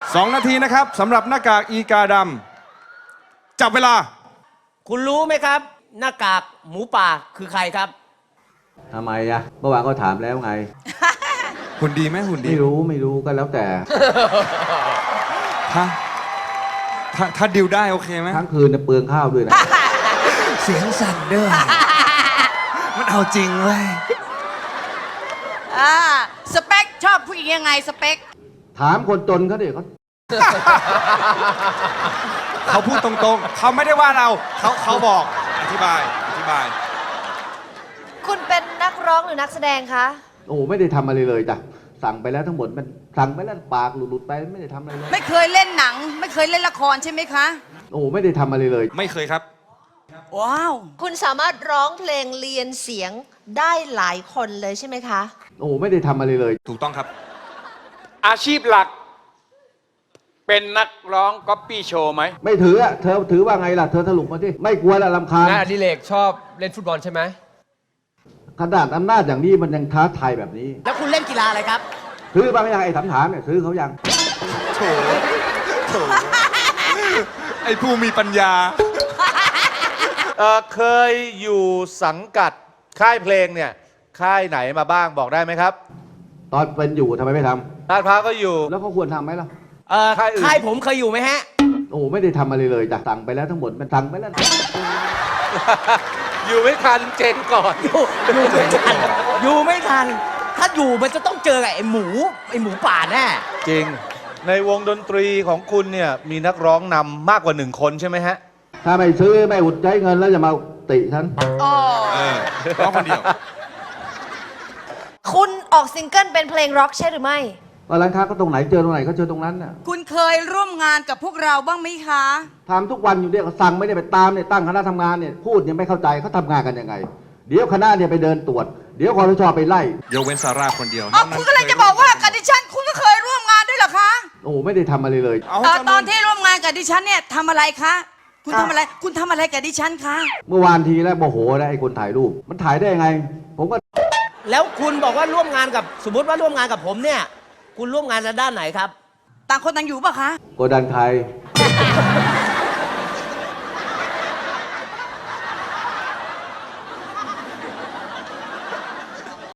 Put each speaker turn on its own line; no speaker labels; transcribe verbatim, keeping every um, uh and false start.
สองนาทีนะครับสำหรับหน้ากากอีกาดำจับเวลา
คุณรู้ไหมครับ หน้ากากหมูป่าคือใครครับ
ทำไมอะเมื่อวานก็ถามแล้วไง
หุ่นดีไหมหุ่นดี
ไม่รู้ไม่รู้ก็แล้วแต่
ถ้าถ้าถ้าดิวได้โอเคไหม
ทั้งคืนเปลืองข้าวด้วยนะ
เสียงสั่นด้วยมันเอาจริงเว้ย
อ่าสเปคชอบผู้หญิงยังไงสเปค
ถามคนจนเขาดิเขา
เขาพูดตรงๆเขาไม่ได้ว่าเราเขาเขาบอกอธิบายอธิบาย
คุณเป็นนักร้องหรือนักแสดงคะ
โอ้ไม่ได้ทำอะไรเลยจ้ะสั่งไปแล้วทั้งหมดมันสั่งไปแล้วปากหลุดๆไปไม่ได้ทำอะไรเลย
ไม่เคยเล่นหนังไม่เคยเล่นละครใช่ไหมคะ
โอ้ไม่ได้ทำอะไรเลย
ไม่เคยครับ
ว้าว
คุณสามารถร้องเพลงเรียนเสียงได้หลายคนเลยใช่ไหมคะ
โอ้ไม่ได้ทำอะไรเลย
ถูกต้องครับ
อาชีพหลักเป็นนักร้องก๊อปปี้โชว์ไหม
ไม่ถืออะเธอถือว่าไงล่ะเธอสรุปมาที่ไม่กลัวละรำคาญ
งานอดิเรกชอบเล่นฟุตบอลใช่ไหม
ขนาดอำนาจอย่างนี้มันยังท้าทายแบบนี้
แล้วคุณเล่นกีฬาอะไรครับ
ซื้อบ้างยังไอ้ถามถามเนี่ยซื้อเขายัง
โถโถไอ้ผู้มีปัญญา
เออเคยอยู่สังกัดค่ายเพลงเนี่ยค่ายไหนมาบ้างบอกได้ไหมครับ
ตอนเป็นอยู่ทำไมไม่ท
ำลาดพร้าวก็อยู่
แล้วเขาควรทำไหมล่ะ
เออค่ายอื่นค่ายผมเคยอยู่ไหมฮะ
โอ้ไม่ได้ทำอะไรเลยจ้ะสั่งไปแล้วทั้งหมดมันสั่งไปแล้ว
อยู่ไม่ทันเจนก่อน
อยู่อยู่ไม่ทันอยู่ไม่ทันถ้าอยู่มันจะต้องเจอกับไอ้หมูไอ้หมูป่าแน่
จริงในวงดนตรีของคุณเนี่ยมีนักร้องนำมากกว่าหนึ่งคนใช่ไหมฮะ
ถ้าไม่ซื้อไม่อุดใช้เงินแล้วจะมาติฉัน
อ๋อ
ร้องคนเดียว
คุณออกซิงเกิลเป็นเพลงร็อกใช่หรือไม่
ว่าร้านค้าก็ตรงไหนเจอตรงไหนก็เจอตรงนั้นน่ะ
คุณเคยร่วมงานกับพวกเราบ้างไหมคะ
ทำทุกวันอยู่เนี่ยสั่งไม่ได้ไปตามเนี่ยตั้งคณะทำงานเนี่ยพูดยังไม่เข้าใจเขาทำงานกันยังไงเดี๋ยวคณะเนี่ยไปเดินตรวจเดี๋ยวคอรชไปไล่
ยกเว้นซาร่าคนเดียว
อ๋อคุณก็เลยจะบอกว่ากับดิฉันคุณก็เคยร่วมงานด้วยเหรอคะ
โอ้ไม่ได้ทำอะไรเลย
ตอนที่ร่วมงานกับดิฉันเนี่ยทำอะไรคะคุณทำอะไรคุณทำอะไรกับดิฉันคะ
เมื่อวานทีแล้วโมโหนะไอ้คนถ่ายรูปมันถ่ายได้ยังไงผมก็
แล้วคุณบอกว่าร่วมงานกับสมมติว่าร่วมงานกับผมเนี่ยคุณร่วมงานในด้านไหนครับ
ต่างคนต่างอยู่ป่ะคะ
กดดันใคร